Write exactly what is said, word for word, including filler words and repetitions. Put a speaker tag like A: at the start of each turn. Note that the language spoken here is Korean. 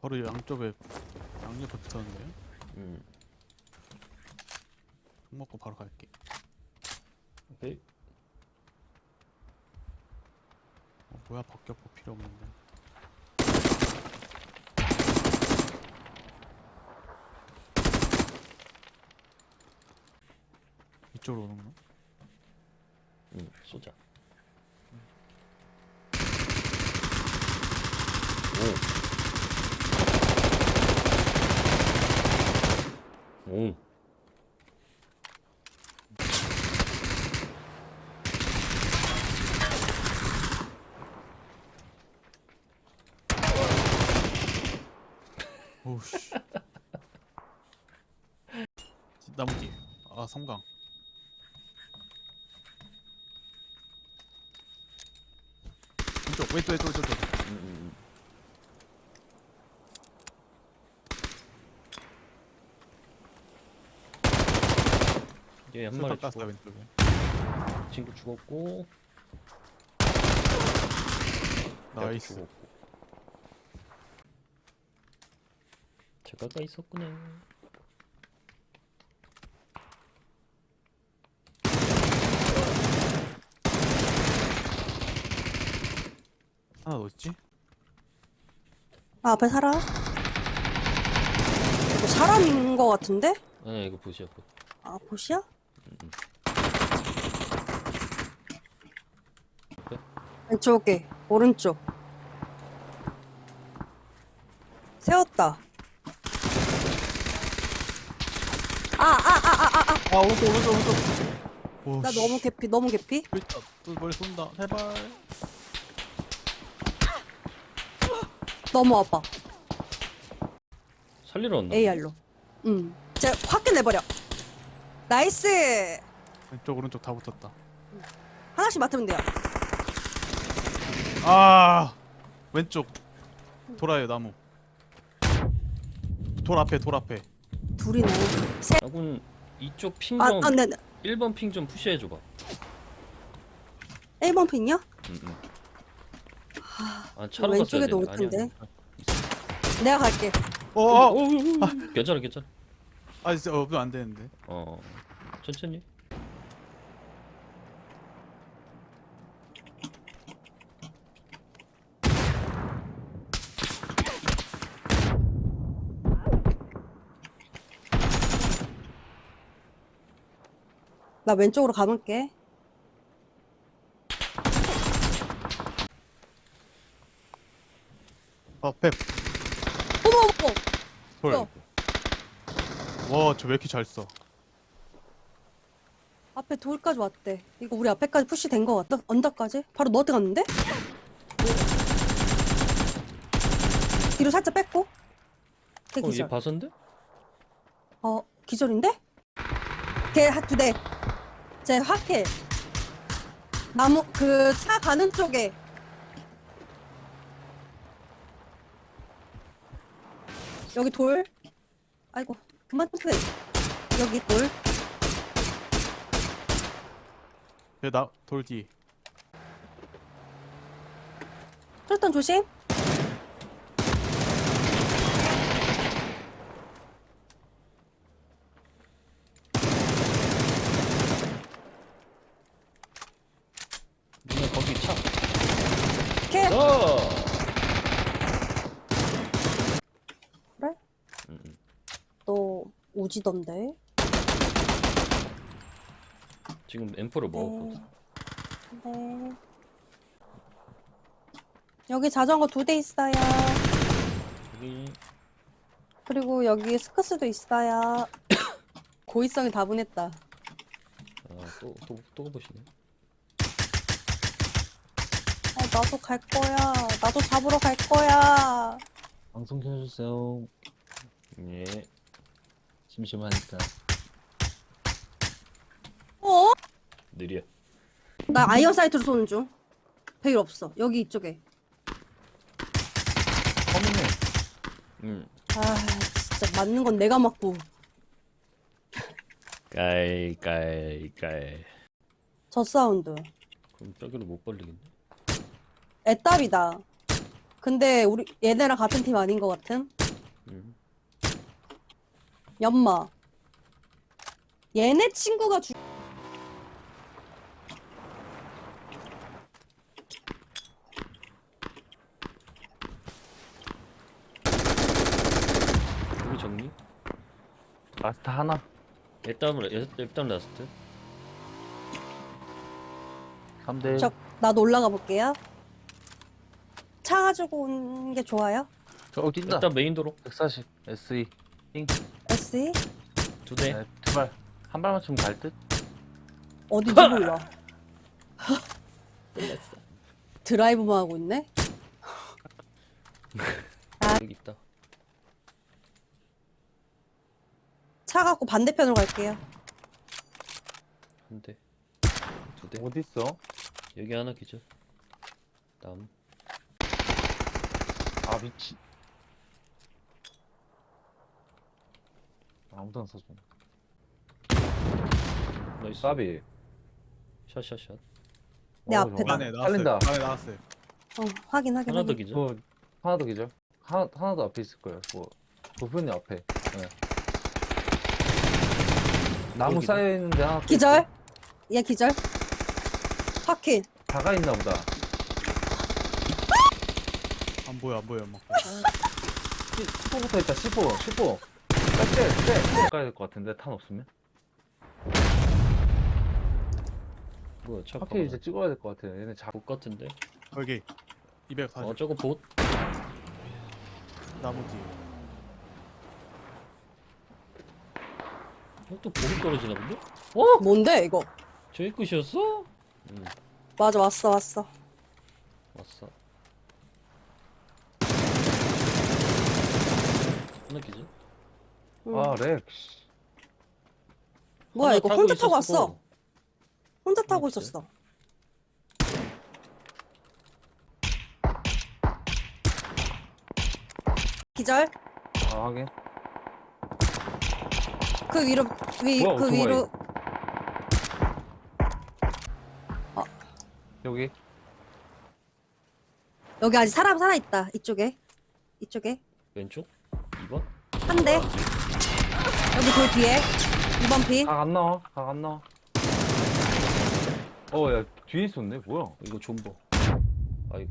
A: 바로 양쪽에 양옆에 붙었는데요?
B: 음.
A: 총 먹고 바로 갈게.
B: 오케이.
A: 어, 뭐야 박격포 필요 없는데. 이쪽으로 오는 거?
B: 음, 쏘자. 오. 오.
A: 오우씨. 나무 뒤에. 아 섬광. 왼쪽 왼쪽 왼쪽 왼쪽 왼쪽.
B: 음, 음, 음. 얘 한 마리
A: 술탄 깠어요
B: 죽어.
A: 왼쪽에.
B: 친구 죽었고.
A: 나이스.
B: 죽었고. 제가가 있었구나.
A: 하나 더 있지?
C: 아, 앞에 사람? 이거 사람인 거 같은데?
B: 아니 이거 보시야 보.
C: 아, 보시야?
B: 음, 음.
C: 왼쪽에, 오른쪽. 세웠다. 아, 아, 아, 아, 아, 아.
A: 아 오른쪽 오른쪽 오른쪽.
C: 나 너무 개피, 너무 개피.
A: 있다. 또 머리 쏜다. 제발.
C: 너무 아파.
B: 살리러 왔나?
C: 에이알로. 응. 쟤 확 끝내버려. 나이스!
A: 왼쪽 오른쪽 다 붙었다.
C: 하나씩 맡으면 돼요.
A: 아 왼쪽 돌아요 나무. 돌 앞에 돌 앞에.
C: 둘이네. 세.
B: 아군 이쪽 핑
C: 아,
B: 좀
C: 아, 네, 네.
B: 일 번 핑 좀 푸시해 줘봐.
C: 일 번 핀이요?
B: 음, 음. 아, 차로
C: 왼쪽에도 올
B: 갔어야 되네.
C: 텐데.
B: 아니야.
C: 내가 갈게.
A: 어어.
B: 오, 오, 오, 오. 괜찮아, 괜찮아.
A: 아 진짜 없으면 안 되는데.
B: 어, 천천히.
C: 나 왼쪽으로 가볼게.
A: 앞에
C: 어머, 어머!
A: 돌.
C: 어.
A: 와 저 왜 이렇게 잘 써?
C: 앞에 돌까지 왔대. 이거 우리 앞에까지 푸시 된 거 같다. 언덕까지? 바로 너한테 갔는데? 뒤로 살짝 뺐고. 걔
B: 어, 얘
C: 기절.
B: 봐선데?
C: 어, 기절인데? 걔 한 두 대. 쟤 확해. 나무, 그, 차 가는 쪽에. 여기 돌. 아이고, 그만 좀 해. 여기 돌.
A: 얘나돌 뒤.
C: 트루턴 조심.
B: 누나 거기 차.
C: 걔.
B: 어.
C: 그래?
B: 음, 음.
C: 너 우지던데?
B: 지금 엠포를 먹었거든.
C: 네. 여기 자전거 두 대 있어요.
B: 여기
C: 그리고 여기 스크스도 있어요. 고의성이 다분했다.
B: 아또또또 보시네.
C: 어, 나도 갈 거야. 나도 잡으러 갈 거야.
D: 방송 켜주세요.
B: 예.
D: 심심하니까.
C: 어?
B: 느려.
C: 나 아이언 사이트로 쏘는 중. 배율 없어. 여기 이쪽에.
A: 허밍해.
B: 음.
C: 아, 진짜 맞는 건 내가 맞고.
B: 깔, 깔, 깔.
C: 저 사운드.
B: 그럼 저기로 못 벌리겠네.
C: 애답이다. 근데 우리 얘네랑 같은 팀 아닌 것 같은?
B: 음.
C: 연마. 얘네 친구가 주...
B: 여기 정리?
D: 마스터 하나.
B: 일단 일단 라스트.
D: 삼 대.
C: 저, 나도 올라가 볼게요. 차 가지고 온 게 좋아요?
D: 저 뛴다.
B: 일단 메인 도로
D: 백사십 에스이.
C: 에스이?
B: 두 대.
D: 네, 두 발. 한 발만 좀 갈 듯?
C: 어딘지 몰라.
B: 끝났어.
C: 드라이브만 하고 있네?
B: 여기 있다.
C: 차 갖고 반대편으로 갈게요.
B: 한 대. 두 대.
D: 어딨어?
B: 여기 하나 기절. 다음.
D: 아, 미치. 아무도 안 써줘.
B: 나이스.
D: 까비.
B: 샷샷샷.
C: 내
D: 어,
C: 앞에다.
D: 저거.
A: 안에 나왔어요.
D: 살린다.
A: 안에 나왔어요.
C: 어, 확인, 확인,
B: 하나 더
C: 확인.
B: 기절.
D: 저 하나 더 기절. 하나 하나 더 앞에 있을 거예요. 뭐 부분이 앞에. 네. 나무
B: 기절.
D: 쌓여 있는데 하나. 더
C: 기절?
D: 있어.
C: 얘 기절? 확인.
D: 다가 있나 보다.
A: 안 보여 안 보여 막.
D: 십오부터 있다. 십오. 십오. 쎄, 쎄. 가야 될 것 같은데 탄 없으면.
B: 뭐야 차
D: 확실히 이제 찍어야 될 것 같아요. 얘네 자.
B: 봇 같은데.
A: 여기 이백사십
B: 어 저거 봇.
A: 나무 뒤에.
B: 어, 또 보급 떨어지나 본데? 어?
C: 뭔데, 이거?
B: 저기 끝이었어? 응
C: 맞아, 왔어, 왔어.
B: 왔어. 하나 기절.
C: 응.
D: 아, 렉. 씨.
C: 뭐야,
B: 하나
C: 이거 혼자 타고
B: 있었고.
C: 왔어. 혼자 타고
B: 그렇지.
C: 있었어. 기절?
D: 아, 하긴.
C: 그 위로, 위,
D: 뭐야,
C: 그
D: 오토바이.
C: 위로.
D: 여기.
C: 여기 아직 사람 살아있다. 이쪽에. 이쪽에.
B: 왼쪽? 이 번?
C: 한 대. 여기 돌 뒤에. 이 번 핑.
D: 각 안 나와. 각 안 나와. 어, 야, 뒤에 있었네. 뭐야?
B: 이거 존버.